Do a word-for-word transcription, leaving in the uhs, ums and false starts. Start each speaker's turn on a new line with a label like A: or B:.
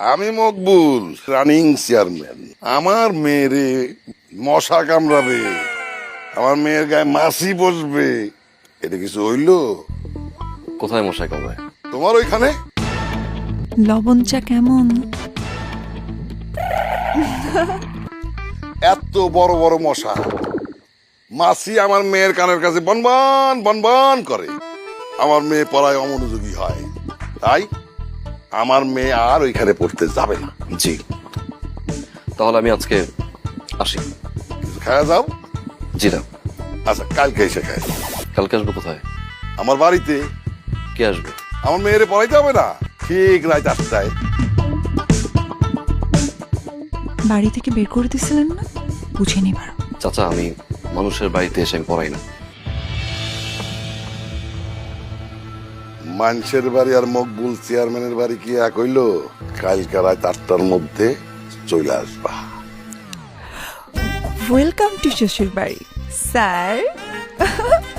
A: আমি Maqbool, running chairman. আমার মেয়েরে মশা কামড়াবে, আমার মেয়ের গায়ে মাছি বসবে, এটা কিছু হইলো?
B: কোথায় মশাই কামড়ায়?
A: তোমার ওইখানে।
C: লবণ চা কেমন?
A: এত বড় বড় মশা, মাছি আমার মেয়ের কানের কাছে বনবন বনবন করে, আমার মেয়ে পড়ায় অমনোযোগী হয়। তাই আমার মেয়ে আর ওইখানে পড়তে যাবে না।
B: জি, তাহলে আমি আজকে আসি।
A: কিছু খাওয়া যাও।
B: জি না।
A: আচ্ছা, কালকে এসে খাই।
B: কালকে আসবো কোথায়?
A: আমার বাড়িতে।
B: কে আসবে?
A: আমার মেয়েরে পড়াইতে হবে না, ঠিক রাত আটটায়।
C: বাড়ি থেকে বের করে দিছিলেন না? বুঝে নিবার।
B: চাচা, আমি মানুষের বাড়িতে এসে আমি পড়াই না।
A: মানুষের বাড়ি আর মকবুল চেয়ারম্যানের বাড়ি কি এক হইল? কালকে রাত আটটার মধ্যে চলে আসবা।
C: ওয়েলকাম টু শ্বশুর বাড়ি স্যার।